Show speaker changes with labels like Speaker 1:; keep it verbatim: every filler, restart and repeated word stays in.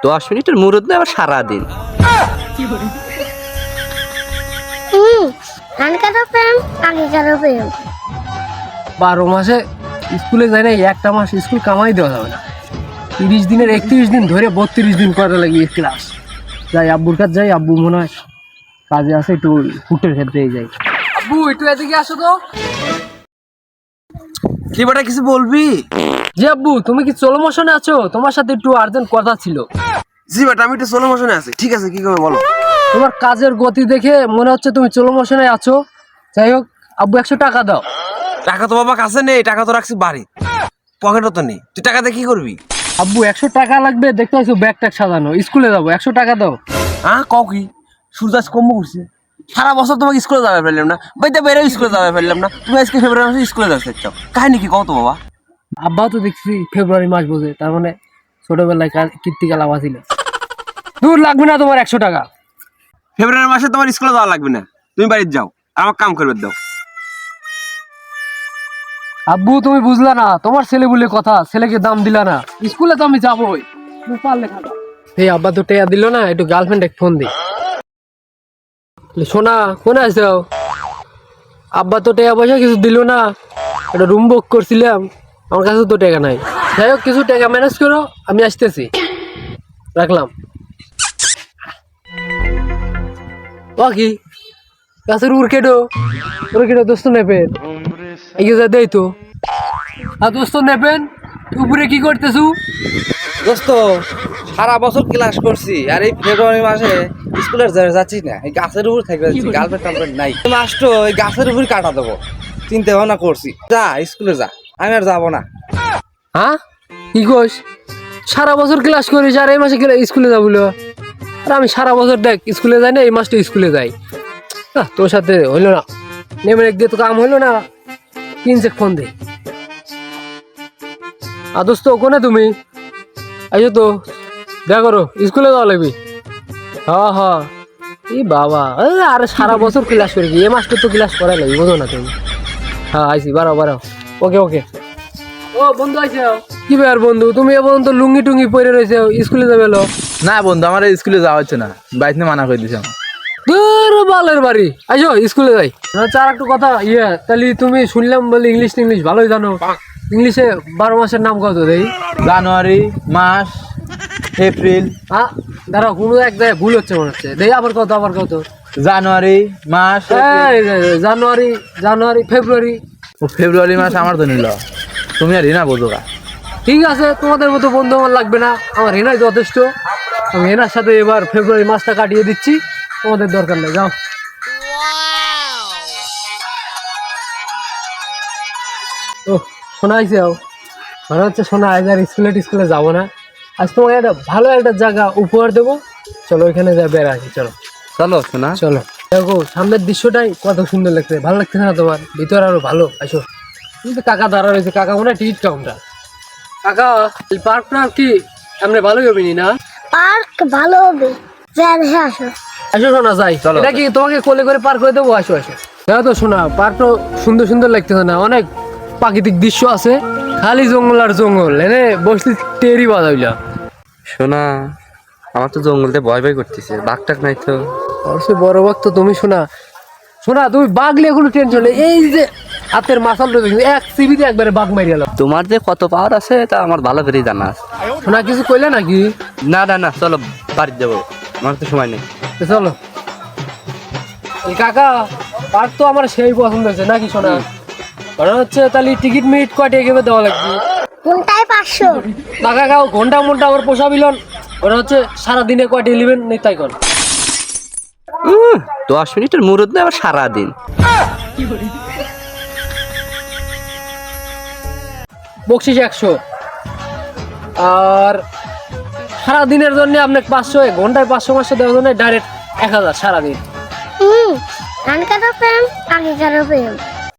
Speaker 1: দশ মিনিটের মুরুদ না আবার সারাদিন।
Speaker 2: হুম আনকারও প্রেম আগেকারও প্রেম।
Speaker 3: বারো মাসে স্কুলে যায় না, একটা মাস স্কুল কামাই দেওয়া যাবে না। তিরিশ দিনের একত্রিশ দিন ধরে বত্রিশ দিন করা লাগিয়ে ক্লাস যাই। আব্বুর কাছে যাই, আব্বু মনে হয় কাজে আছে, একটু ফুটের ক্ষেত্রে যাই। আব্বু একটু এদিকে আসো তো।
Speaker 1: কি বেটা কিছু বলবি?
Speaker 3: জি আব্বু, তুমি কি চলো মোশনে আছো? তোমার সাথে একটু আর্জেন্ট কথা ছিল।
Speaker 1: জি বেটা আমি একটু সোলো মোশনে আছি। ঠিক আছে, কি করবে বলো।
Speaker 3: তোমার কাজের গতি দেখে মনে হচ্ছে তুমি চলো মোশনে আছো। যাই হোক আব্বু, একশো টাকা দাও।
Speaker 1: টাকা তো বাবা কাছে নেই, টাকা তো রাখছি বাড়ি, পকেটও তো নেই। তুই টাকা দিয়ে কি করবি?
Speaker 3: আব্বু একশো টাকা লাগবে, দেখতে পাচ্ছ ব্যাগ ট্যাগ সাজানো, স্কুলে যাবো, একশো টাকা দাও।
Speaker 1: হ্যাঁ কও কি? সূর্যাস কম করছে। সারা বছর তোমাকে স্কুলে যাবে ফেললাম না, বাইতে বেরো স্কুলে যাবে ফেললাম না, তুমি আজকে ফেব্রুয়ারি মাসে স্কুলে যাচ্ছে চাও, কাহিনী কি কও তো বাবা।
Speaker 3: আব্বাও তো দেখছি ফেব্রুয়ারি মাস বোঝে, তার মানে ছোটবেলায় কীর্তিকা লাভা ছিল। দূর লাগবে না তোমার একশো টাকা।
Speaker 1: ফেব্রুয়ারি মাসে তোমার স্কুলে যাওয়া লাগবে না, তুমি বাড়িতে যাও, আর আমার কাম করবে দাও।
Speaker 3: আব্বু তুমি বুঝলা না, তোমার ছেলে বলে কথা, ছেলেকে দাম দিলা না। স্কুলে তো আমি যাবোই, তুমি পারলে খাবা। এই আব্বা তো টেয়া দিল না, একটু গার্লফ্রেন্ড এক ফোন দি। সোনা কোনে আছো? আব্বা তো টেয়া পয়সা কিছু দিল না, একটা রুম বুক করছিলাম, আমার কাছে তো টাকা নাই। যাই হোক কিছু টাকা ম্যানেজ করো, আমি আসতেছি, রাখলাম। ও কি গাছের উড় কেটো উড় কেটো দোস্ত নেবেন এগিয়ে যা দেই তো। আর দোস্ত নেবেন উপরে কি করতেছু?
Speaker 4: দোস্ত সারা বছর ক্লাস করছি, আর এই ফেব্রুয়ারি মাসে স্কুলের যাচ্ছি না, এই গাছের উপর থেকে গার্লফ্রেন্ড টার্লফ্রেন্ড নাই, মাসটো এই গাছের উপর কাটা দেবো চিন্তা ভাবনা করছি। যা স্কুলে যা, আমি আর যাবো না।
Speaker 3: হ্যাঁ কি কোস? সারা বছর ক্লাস করিস আর এই মাসে স্কুলে যাবো? আর আমি সারা বছর দেখ স্কুলে যাই না, এই মাসটা স্কুলে যাই। হ্যাঁ তোর সাথে হইলো না, নেমে এক দিয়ে তো কাম হইলো না, কিনছে ফোন দে। আর দোস্ত কোনে তুমি? আইসো তো, দেখা করো, স্কুলে যাওয়া লাগবি। হ্যাঁ হ্যাঁ এই বাবা, আরে সারা বছর ক্লাস করি, এ মাসটা তো ক্লাস করাই লাগবে, বোঝো না তুমি? হ্যাঁ আইসি, বাড়াও বাড়াও। ওকে ওকে। ও বন্ধু আইসো। কি ব্যাপার বন্ধু, তুমি এ পর্যন্ত লুঙ্গি টুঙ্গি পরে রয়েছে, স্কুলে যাবে?
Speaker 5: না বন্ধু, আমার স্কুলে যাওয়া হচ্ছে না, বাইরে মানা করে দিছে আমার।
Speaker 3: দূর বালের বাড়ি, আইসো স্কুলে যাই। আচ্ছা আর একটু কথা, ইয়ে তাহলে তুমি শুনলাম বলে ইংলিশ ইংলিশ ভালোই জানো। ইংলিশে বারো মাসের নাম কত দেই?
Speaker 5: জানুয়ারি মাস, এপ্রিল।
Speaker 3: হ্যাঁ দাঁড়াও, কোনো এক জায়গায় ভুল হচ্ছে মনে হচ্ছে, দেই আবার কত আবার কত?
Speaker 5: জানুয়ারি মাস,
Speaker 3: এই জানুয়ারি জানুয়ারি ফেব্রুয়ারি।
Speaker 5: ও ফেব্রুয়ারি মাস আমার তো নিল, তুমি আর হিনা বোঝো।
Speaker 3: ঠিক আছে, তোমাদের মতো বন্ধু আমার লাগবে না, আমার হেনাই যথেষ্ট। আমি হেনার সাথে এবার ফেব্রুয়ারি মাসটা কাটিয়ে দিচ্ছি, তোমাদের দরকার নেই, যাও। ও শোনা আইসে, মনে হচ্ছে শোনা আজ আর স্কুলে টিস্কুলে যাবো না। আজ তোমাকে একটা ভালো একটা জায়গা উপহার দেবো, চলো ওইখানে যা বেড়া আসি। চলো
Speaker 5: চলো শোনা,
Speaker 3: চলো। দেখো সামনের দৃশ্যটাই কত সুন্দর লাগছে, ভালো লাগতেছে না তোমার? ভিতরে আরো ভালো, আসো। কিন্তু কাকা দাঁড়া রয়েছে, কাকা মনে হয় টিকিট কাউন্টার। কাকা পার্কটা কি এমনি ভালোই হবে না?
Speaker 2: পার্ক ভালো হবে, যাই দেখে আসো।
Speaker 3: আসো শোনা যাই, এটা কি তোমাকে কোলে করে পার করে দেবো? আসো আসো। দেখো তো শোনা, পার্কটা সুন্দর সুন্দর লাগতেছে না? অনেক প্রাকৃতিক দৃশ্য আছে, খালি জঙ্গল আর জঙ্গল, এনে বসতে টেরি বাজাইলা।
Speaker 4: শোনা আমার তো জঙ্গলতে ভয় ভয় করতেছে, বাঘ টাক নাই তো?
Speaker 3: অবশ্যই বড় বাঘ তো তুমি। শোনা শোনা তুমি বাঘলে কোনো টেনশন নেই, এই যে হাতের মাসালটা দেখি এক সিবিতে একবারে বাঘ মারি গেল।
Speaker 4: তোমার যে কত পাওয়ার আছে তা আমার ভালো করেই জানা আছে।
Speaker 3: শোনা কিছু কইলে নাকি?
Speaker 4: না না না, চলো বাড়ি যাবো, আমার তো সময় নেই।
Speaker 3: তো চলো। এই কাকা পার্ক তো আমার সেই পছন্দ হয়েছে নাকি শোনা? মনে হচ্ছে তাহলে টিকিট মিট কয়টা এগিয়ে দেওয়া লাগবে?
Speaker 2: কোনটায় পাঁচশো?
Speaker 3: না কাকা ঘন্টা মনটা আমার পোষাবিলন, মনে হচ্ছে সারাদিনে কয়টা ইলেভেন নেই তাই কর।
Speaker 1: দশ মিনিটের মুরুদ না আবার সারাদিন।
Speaker 3: বকশিস একশো, আর সারাদিনের জন্য আপনাকে পাঁচশো, ঘন্টায় পাঁচশো পাঁচশো দেওয়ার জন্য ডাইরেক্ট এক হাজার সারাদিন।
Speaker 2: হুম আনকারও প্রেম আগেকারও প্রেম।